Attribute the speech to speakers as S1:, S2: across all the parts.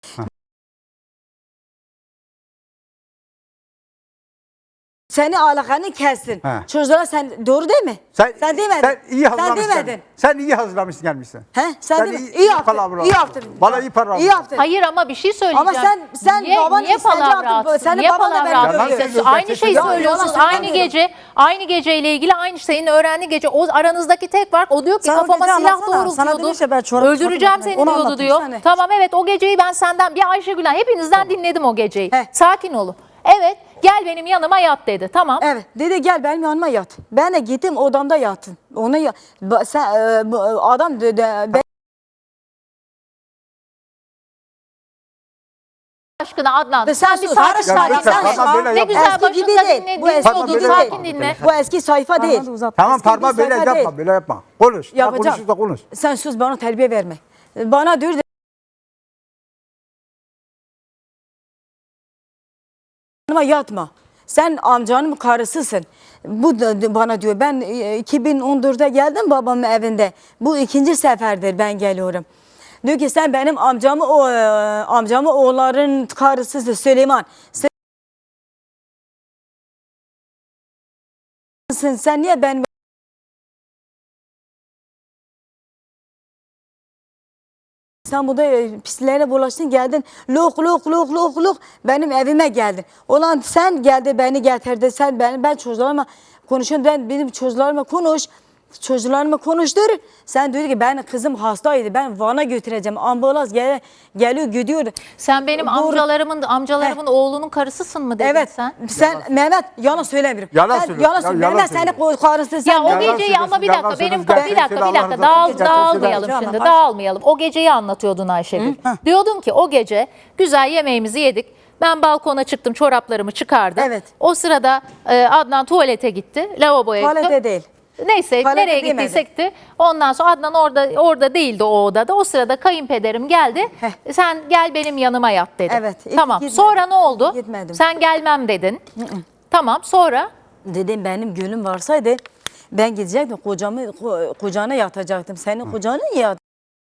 S1: Seni alakanı kessin.
S2: He.
S1: Çocuklara sen doğru değil mi? Sen demedin.
S2: Sen iyi hazırlamışsın.
S1: Sen demedin.
S2: Sen iyi hazırlamışsın gelmişsin.
S1: He? Sen
S2: iyi,
S1: iyi yaptın.
S2: palavra
S1: İyi yaptın.
S2: Bana iyi palavra.
S1: İyi yaptın.
S3: Hayır ama bir şey söyleyeceğim.
S1: Ama sen baban
S3: niye
S1: istedi
S3: palavra
S1: yaptın.
S3: atsın?
S1: Senin
S3: Niye
S1: baban da
S3: palavra
S1: beni
S3: atsın?
S2: Yalan
S1: dövdü.
S2: söylüyorsun.
S3: Aynı şeyi
S2: Yalan
S3: söylüyorsunuz.
S1: söylemiyorum.
S3: Aynı geceyle ilgili aynı senin öğrendiği gece. O aranızdaki tek fark o diyor ki
S4: Sen o
S3: kafama
S4: gece
S3: silah
S4: anlatsana. Sana
S3: doğrultuyordu.
S4: demiş ya ben çorap
S3: Öldüreceğim
S4: çıkartayım.
S3: seni
S4: Onu
S3: diyordu
S4: anlatın
S3: diyor.
S1: sana.
S3: Tamam evet o geceyi ben senden bir Ayşegül'den hepinizden dinledim o geceyi.
S1: He.
S3: Sakin olun. Evet gel benim yanıma yat dedi. Tamam.
S1: Evet. Dedi gel benim yanıma yat. Ben de gittim odamda yattım. Ona sen adam ben
S3: Aşkına Adnan
S1: Sen
S3: sen bir
S1: sus.
S3: sakin
S1: Ya
S3: sakin.
S2: lütfen,
S3: konuş.
S2: Fatma böyle
S3: Ne
S2: yapma.
S3: güzel
S1: Eski gibi
S3: başında
S1: değil.
S3: dinledin.
S1: Bu eski
S2: Fatma
S1: gibi
S2: böyle
S1: değil.
S2: yapma.
S3: Sakin dinle.
S1: Bu eski sayfa değil.
S2: Tamam
S1: Eski
S2: parmağı
S1: bir
S2: böyle
S1: sayfa
S2: yapma.
S1: değil.
S2: Böyle yapma. Konuş.
S1: Yapacağım.
S2: Konuşursa konuş.
S1: Sen sus bana terbiye verme. Bana diyor yanıma yatma. Sen amcanın karısısın. Bu da bana diyor. Ben 2014'te geldim babamın evinde. Bu ikinci seferdir ben geliyorum. Diyor ki sen benim amcamı oğulların karısısın Süleyman. Sen niye ben İstanbul'da pisliklere bulaştın geldin lok benim evime geldin. Ulan sen geldi beni getirdi sen ben çocuklarıma konuşuyorum benim çocuklarıma konuş. Çocuklarıma konuştur. Sen diyor ki ben kızım hastaydı. Ben Van'a götüreceğim. Ambulans geliyor gidiyor.
S3: Sen benim amcalarımın oğlunun karısısın mı dedin
S1: Evet.
S3: sen?
S1: Mehmet yalan söylemiyorum.
S2: Yalan
S1: Sen
S2: söylüyor.
S1: Yalan
S2: Ya,
S1: söylüyorum.
S2: yalan
S1: Mehmet
S2: söylüyor.
S1: senin karısın sen.
S3: Ya o
S2: Yalan
S3: geceyi ama bir
S2: söylüyorsun,
S3: dakika
S2: yalan
S3: benim
S2: söylüyorsun.
S3: bir dakika
S2: Gerçekten
S3: dağılmayalım
S4: Allah'ın
S3: şimdi
S4: razı
S3: dağılmayalım. O geceyi anlatıyordun Ayşegül. Diyordun ki o gece güzel yemeğimizi yedik. Ben balkona çıktım çoraplarımı çıkardım.
S1: Evet.
S3: O sırada Adnan tuvalete gitti. Lavaboya gitti.
S1: Tuvalete değil.
S3: Neyse
S1: Tuvalete
S3: nereye
S1: demedi.
S3: gittiysek gitti. Ondan sonra Adnan orada değildi o odada. O sırada kayınpederim geldi. Sen gel benim yanıma yat dedi.
S1: Evet,
S3: Tamam.
S1: gitmedim.
S3: Sonra ne oldu?
S1: Gitmedim.
S3: Sen gelmem dedin. Tamam sonra?
S1: Dedim benim gönlüm varsaydı ben gidecektim kocana yatacaktım. Senin kocanı niye yat?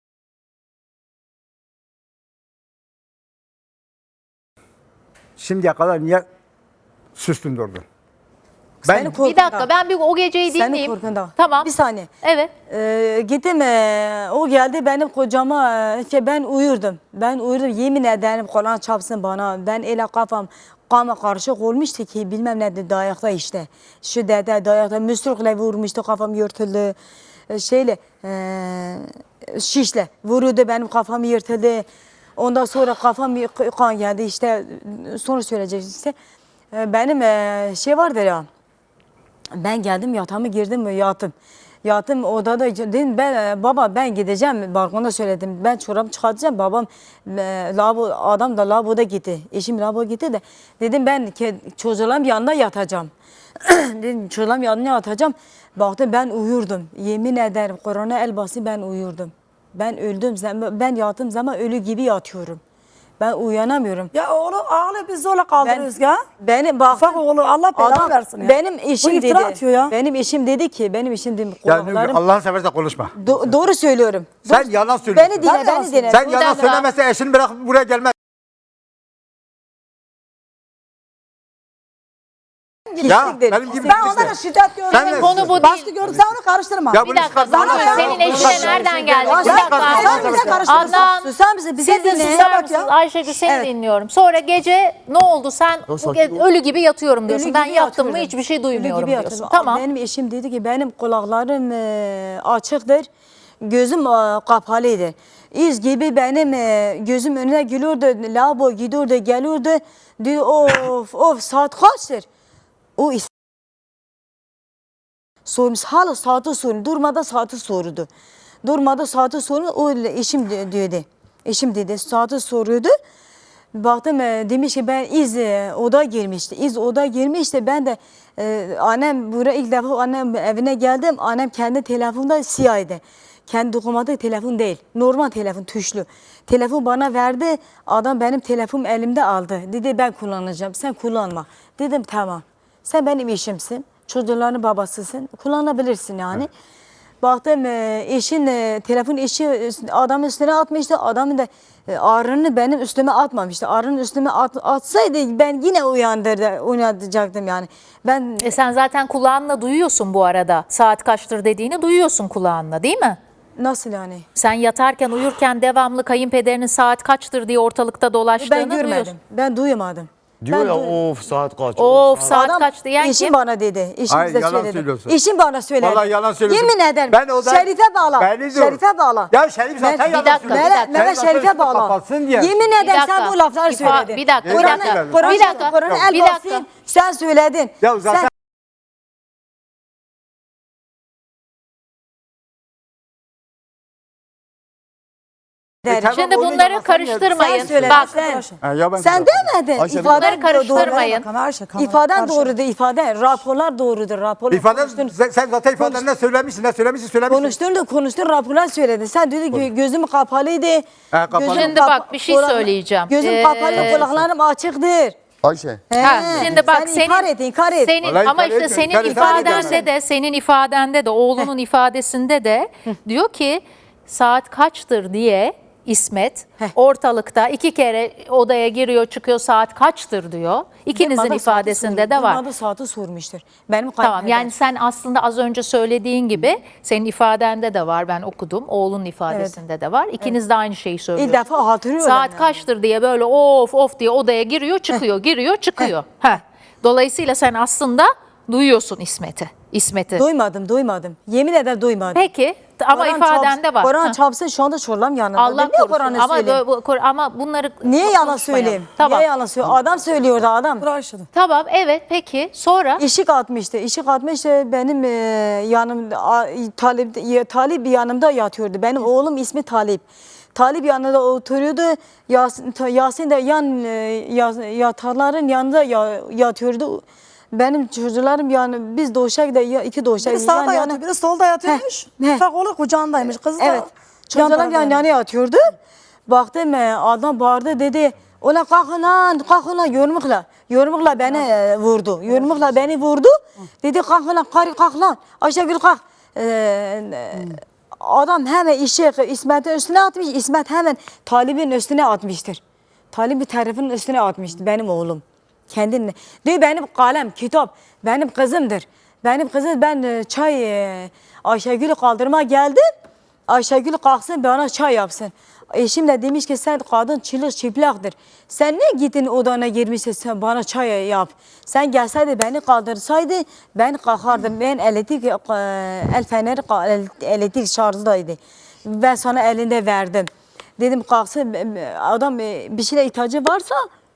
S2: Şimdiye kadar niye sustun durdun?
S1: Senin
S2: Ben
S3: Bir dakika ben bir o geceyi
S1: Senin
S3: dinleyeyim.
S1: korkunda.
S3: Tamam.
S1: Bir saniye.
S3: Evet.
S1: Gittim o geldi benim kocama ki ben uyurdum. Ben uyurdum yemin ederim Kur'an çapsın bana. Ben ele kafam kama karışık olmuştu ki bilmem ne dayakta işte. Şu dede dayakta müsrükle vurmuştu kafam yırtıldı. Şeyle şişle vurdu benim kafam yırtıldı. Ondan sonra kafam kan geldi işte sonra söyleyeceğim işte. Benim şey vardır ya. Ben geldim yatağıma girdim yattım. Yattım odada dedim baba ben gideceğim balkonda söyledim. Ben çorabımı çıkartacağım babam adam da lavaboda gitti. Eşim lavaboya gitti de dedim ben çocuklarım yanında yatacağım. Dedim çocuklarım yanına yatacağım. Baktım ben uyurdum. Yemin ederim Kur'an'a el bası ben uyurdum. Ben öldüm ben yattığım zaman ölü gibi yatıyorum. Ben uyanamıyorum.
S4: Ya oğlu ağlı biz zorla kaldırıyoruz ya.
S1: Benim bak
S4: Ufak oğlu Allah belanı versin ya.
S1: Benim
S4: Bu
S1: eşim
S4: iftira
S1: dedi.
S4: atıyor ya.
S1: Benim eşim dedi ki benim eşim dedi
S2: yani
S1: kulaklarım
S2: Allah'ın seversen konuşma.
S1: doğru söylüyorum.
S2: Sen yalan söylüyorsun.
S1: Beni dinle beni dinle.
S2: Sen
S3: Bir
S2: yalan
S3: dakika.
S2: söylemezsen eşini bırakıp buraya gelmez. Ya benim gibi
S4: Ben onlara şiddet gördüm.
S2: Sen de-
S3: Konu bu değil.
S4: Baskı gördüm sen onu karıştırma.
S2: Ya
S3: Bir
S2: bunu
S3: dakika
S2: çıkartma.
S3: sana
S2: Allah
S3: senin
S2: Allah.
S3: eşine
S2: Allah
S3: nereden
S2: Allah.
S3: geldik?
S2: Allah
S3: Bir
S2: Allah.
S3: dakika.
S4: Sen bize karıştırırsın.
S3: Adnan
S1: Susar mısın? Bize
S3: siz de
S1: dinle.
S3: susar
S4: bak
S3: mısınız?
S4: ya.
S3: Ayşegül seni
S1: Evet.
S3: dinliyorum. Sonra gece ne oldu? Sen ölü gibi yatıyorum diyorsun.
S1: Ölü
S3: ben
S1: gibi
S3: yattım mı
S1: yatıyorum.
S3: hiçbir şey
S1: Ölü
S3: duymuyorum
S1: gibi
S3: diyorsun.
S1: yatıyorum.
S3: Tamam.
S1: Benim eşim dedi ki benim kulaklarım açıktır. Gözüm kapalıydı. İz gibi benim gözüm önüne geliyordu. Lavabo gidiyordu geliyordu. Diyor of saat kaçtır? O sormuş hala saati soruyor. Durmadan saati sordu. Durmadan saati soruyor. O eşim diyordu. Eşim dedi saati soruyordu. Baktım demiş ki ben oda girmişti. Oda girmişti. Ben de annem buraya ilk defa annem evine geldim. Annem kendi telefonda siyahdı. Kendi dokunmatik telefon değil. Normal telefon tuşlu. Telefon bana verdi. Adam benim telefonum elimde aldı. Dedi ben kullanacağım. Sen kullanma. Dedim tamam. Sen benim eşimsin. Çocukların babasısın. Kullanabilirsin yani. Baktım eşin telefon eşi adamın üstüne atmıştı. Adamın da ağrını benim üstüme atmamıştı. Ağrını üstüme atsaydı ben yine uyanacaktım yani. Ben
S3: Sen zaten kulağınla duyuyorsun bu arada. Saat kaçtır dediğini duyuyorsun kulağınla, değil mi?
S1: nasıl yani?
S3: Sen yatarken uyurken devamlı kayınpederinin saat kaçtır diye ortalıkta dolaştığını
S1: Ben görmedim.
S3: duyuyorsun.
S1: Ben duymadım.
S5: Diyor
S1: Ben
S5: ya
S1: duy-
S5: of saat kaç.
S3: Of saat
S1: Adam
S3: kaçtı yani
S1: eşim
S3: kim?
S1: bana dedi. Eşim
S2: Hayır,
S1: bize
S2: yalan
S1: söyledi.
S2: söylüyorsun.
S1: Eşim bana söyledi.
S2: Vallahi yalan söylüyorsun.
S1: Yemin ederim.
S2: Ben o da-
S1: Şerife bağla.
S2: Beni dur.
S1: Şerife bağla.
S2: Ya Şerif zaten
S1: Ben-
S2: yalan
S3: Bir dakika,
S2: söylüyor.
S3: bir dakika.
S1: Mehmet
S2: Senin
S1: Şerife
S2: lafın
S1: bağla.
S2: kapatsın diye.
S1: Yemin
S3: Bir
S1: ederim sen
S3: dakika.
S1: bu lafları söyledin.
S3: Bir dakika, bir
S1: Kur'an'ı-
S3: dakika.
S1: Kur'an'ı-
S3: Bir dakika,
S1: Kur'an'ı el
S3: bir dakika.
S1: basayım, sen söyledin.
S2: Ya zaten
S1: Sen-
S2: tamam,
S3: Şimdi
S2: onu
S3: bunları
S2: yalan
S3: karıştırmayın.
S1: Sen söyledin.
S3: Bak
S1: Sen.
S2: Ha, ya ben
S1: Sen demedin.
S5: Ayşe,
S1: İfaden
S3: bunları karıştırmayın.
S1: İfaden doğrudur, ifade. Raporlar doğrudur, raporlar.
S2: İfaden, sen zaten ifaden ne söylemişsin, ne söylemişsin.
S1: Konuştun, raporlar söyledin. Sen dedi ki gözüm kapalıydı.
S2: kapalı.
S1: Gözüm
S3: Şimdi bak, bir şey söyleyeceğim.
S1: Gözüm kapalı, kulaklarım açıktır.
S5: Ayşe.
S3: Ha,
S1: He,
S3: şimdi bak
S1: sen inkar et.
S3: senin
S2: Vallahi
S3: ama
S2: inkar
S3: işte
S2: etmiyorum,
S3: senin
S2: inkar
S3: ifadende
S2: etmiyorum.
S3: de senin ifadende de oğlunun ifadesinde de diyor ki saat kaçtır diye İsmet ortalıkta 2 kere odaya giriyor çıkıyor saat kaçtır diyor. İkinizin
S1: Bana
S3: ifadesinde
S1: saati
S3: de var.
S1: Bana saati sormuştur. Benim
S3: Tamam
S1: kayınpeder.
S3: yani sen aslında az önce söylediğin gibi senin ifadende de var, ben okudum, oğlunun ifadesinde de var. İkiniz de aynı şeyi
S1: İlk
S3: söylüyorsunuz.
S1: defa hatırlıyorum.
S3: Saat
S1: yani.
S3: kaçtır diye böyle of diye odaya giriyor çıkıyor giriyor çıkıyor. Heh. Dolayısıyla sen aslında duyuyorsun İsmet'i.
S1: Duymadım. Yemin ederim duymadım.
S3: Peki ama
S1: Kur'an
S3: ifadende
S1: çarpsın-
S3: var.
S1: Kur'an
S3: Heh.
S1: çarpsın şu anda çorlam yanında.
S3: Allah
S1: Ben niye
S3: korusun
S1: Kur'an'ı
S3: ama,
S1: söyleyeyim?
S3: ama bunları
S1: Niye yalan
S3: konuşmayalım.
S1: söyleyeyim?
S3: Tamam.
S1: Niye yalan söyleyeyim? Adam söylüyordu adam.
S3: Tamam evet peki sonra
S1: İşik atmıştı. Benim yanımda Talip yanımda yatıyordu. Benim oğlum ismi Talip. Talip yanında oturuyordu. Yasin de yatarların yanında yatıyordu. Benim çocuklarım yani biz doğuşak da iki doğuşak.
S4: Biri sağda yatıyor, biri solda yatıyormuş.
S1: Heh.
S4: Ufak oğlu kucağındaymış. Kız da
S1: Evet. Çocuklarım yan yatıyordu. Baktım adam bağırdı dedi. Ola kalkın lan yormukla beni vurdu. Yormukla beni vurdu. Dedi kalkın lan kalk lan. Ayşegül kalk. Adam hemen İsmet'in üstüne atmış. İsmet hemen Talib'in üstüne atmıştır. Talib bir tarafının üstüne atmıştı benim oğlum. Kendini. Diyor benim kalem, kitap benim kızımdır. Benim kızım ben Ayşegül'ü kaldırma geldim. Ayşegül kalksın bana çay yapsın. Eşim de demiş ki sen kadın çıplaktır. Sen ne gittin odana girmişsin sen bana çay yap. Sen gelseydi beni kaldırsaydı ben kalkardım. Ben el feneri elektrik şarjdaydı. Ben sana elinde verdim. Dedim kalksın adam bir şeye ihtiyacı varsa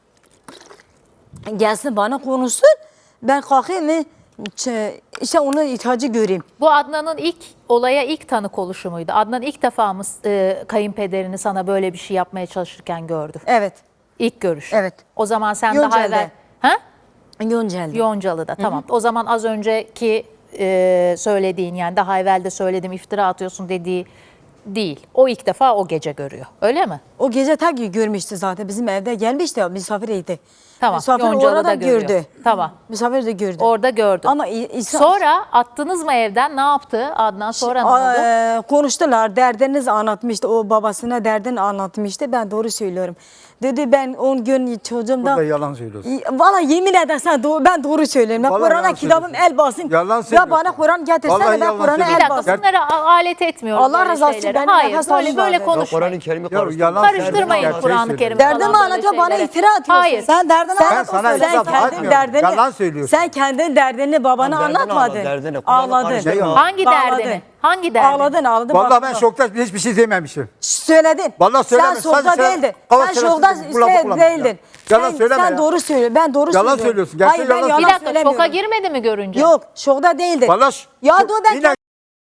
S1: gelsin bana konuşsun. Ben kalkayım işte onun ihtiyacı göreyim.
S3: bu Adnan'ın olaya ilk tanık oluşu muydu? Adnan ilk defa mı kayınpederini sana böyle bir şey yapmaya çalışırken gördü?
S1: Evet.
S3: İlk görüş.
S1: Evet.
S3: O zaman sen
S1: Yoncalı'da.
S3: daha evvel... Ha?
S1: Yoncalı'da.
S3: Yoncalı'da tamam. O zaman az önceki söylediğin yani daha evvel de söyledim iftira atıyorsun dediği değil. O ilk defa o gece görüyor. Öyle mi?
S1: O gece ta ki görmüştü zaten. Bizim evde gelmişti ya misafiriydi.
S3: Tamam.
S1: Misafir
S3: Yoncalı'da
S1: orada
S3: görüyor.
S1: gördü.
S3: Tamam.
S1: Misafir de gördü.
S3: Orada gördüm.
S1: Ama
S3: Sonra attınız mı evden? Ne yaptı Adnan? Sonra ne oldu?
S1: Konuştular. Derdinizi anlatmıştı. O babasına derdini anlatmıştı. Ben doğru söylüyorum. Dedi ben 10 gün çocuğumda...
S2: Burada yalan söylüyorsun.
S1: Valla yemin edersen ben doğru söylüyorum. Ben
S2: Vallahi
S1: Kur'an'a
S2: yalan
S1: kitabım
S2: söylüyorsun.
S1: el basın.
S2: Yalan
S1: Ya
S2: söylüyorsun.
S1: bana Kur'an getirsene
S2: Vallahi
S1: ben
S2: yalan
S1: Kur'an'a
S3: Bir
S2: söylüyorsun.
S1: el
S3: dakika
S1: basın.
S3: bunları alet etmiyoruz.
S1: Allah
S3: böyle
S1: razı olsun,
S3: şeylere.
S1: benim
S3: Hayır
S1: nefes
S3: böyle,
S1: almam
S3: böyle
S1: lazım.
S3: konuşmayın.
S5: Kur'an-ı Kerim'i
S2: Ya
S5: karıştırma.
S2: yalan
S3: Karıştırmayın
S2: söylüyorsun,
S3: Kur'an-ı
S2: gerçeği
S3: Kerim'i.
S2: söylüyorsun.
S1: Derdimi
S3: falan böyle
S1: anlatıyor bana
S3: şeylere.
S1: iftira atıyorsun.
S3: Hayır.
S1: Sen derdini
S2: Ben
S1: anlat.
S2: sana
S1: Sen
S2: itiraf
S1: kendin
S2: atmıyorum.
S1: derdini.
S2: Yalan söylüyorsun.
S1: Sen kendin derdini babana
S5: Derdini
S1: anlatmadın.
S5: anlat, derdini. Kur'an'ı
S1: Ağladın.
S5: karıştırma.
S3: Hangi
S1: Ağladın.
S3: derdini? Hangi derdini?
S1: Ağladın.
S2: Vallahi ben
S1: bak-
S2: şokta hiçbir şey dememişim.
S1: Söyledin.
S2: Vallahi
S1: Sen
S2: söylemedim.
S1: şokta
S2: Sadece
S1: değildin.
S2: kava
S1: Sen
S2: şerefsiz
S1: şokta
S2: bu lafı kullanmışsın ya.
S1: değildin.
S2: Yalan
S1: Sen-
S2: söyleme
S1: Sen
S2: ya.
S1: doğru söylüyorsun. Ben doğru
S2: Yalan
S1: söylüyorum.
S2: söylüyorsun. Gerçek
S1: Hayır ben
S2: yalan
S1: yalan
S3: Bir dakika
S1: söylemiyorum.
S3: şoka girmedi mi görünce?
S1: Yok şokta değildin.
S2: Vallahi
S1: Ya dur ben
S2: yine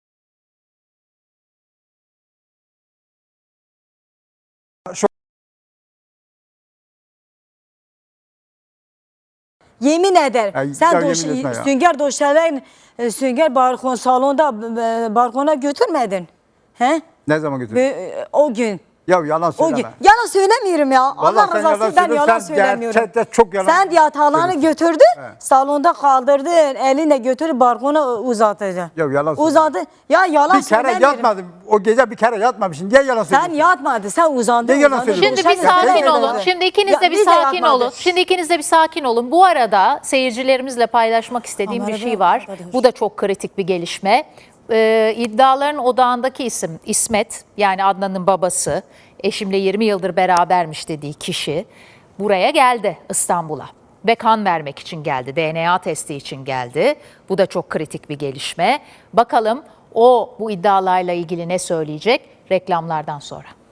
S1: yemin eder.
S2: Ya,
S1: Sen
S2: ya yemin etme ya.
S1: sünger döşelen sünger balkon salonda balkona götürmedin. He?
S2: ne zaman götürdün?
S1: O gün
S2: Ya yalan
S1: O
S2: söyleme.
S1: gün yalan söylemiyorum ya.
S2: Vallahi
S1: Allah
S2: sen
S1: rızası
S2: yalan
S1: için ben
S2: söylüyorsun.
S1: yalan
S2: Sen
S1: söylemiyorum.
S2: gerçekten çok yalan
S1: Sen yatağını
S2: söylüyorsun.
S1: götürdün,
S2: Evet.
S1: salonda kaldırdın, eline götürüp balkona uzattın.
S2: Ya yalan
S1: Uzattı. Ya yalan
S2: Bir kere
S1: söylemiyorum.
S2: yatmadım. O gece bir kere yatmamışsın. Niye yalan
S1: Sen
S2: söylüyorsun?
S1: yatmadın, sen uzandın.
S2: Ne yalan
S1: uzandın.
S2: söylüyorsun?
S3: Şimdi bir
S2: Boşanma.
S3: sakin
S2: Sen
S3: olun.
S1: yatmadın.
S3: Şimdi ikiniz
S1: Ya
S3: de bir
S1: biz de
S3: sakin
S1: yatmadık.
S3: olun. Şimdi ikiniz de bir sakin olun. Bu arada seyircilerimizle paylaşmak istediğim bir
S4: Kamera
S3: şey
S4: bir
S3: var.
S4: arkadaş.
S3: Bu da çok kritik bir gelişme. İddiaların odağındaki isim İsmet, yani Adnan'ın babası, eşimle 20 yıldır berabermiş dediği kişi buraya geldi, İstanbul'a. Ve kan vermek için geldi, DNA testi için geldi. Bu da çok kritik bir gelişme. Bakalım o bu iddialarla ilgili ne söyleyecek reklamlardan sonra.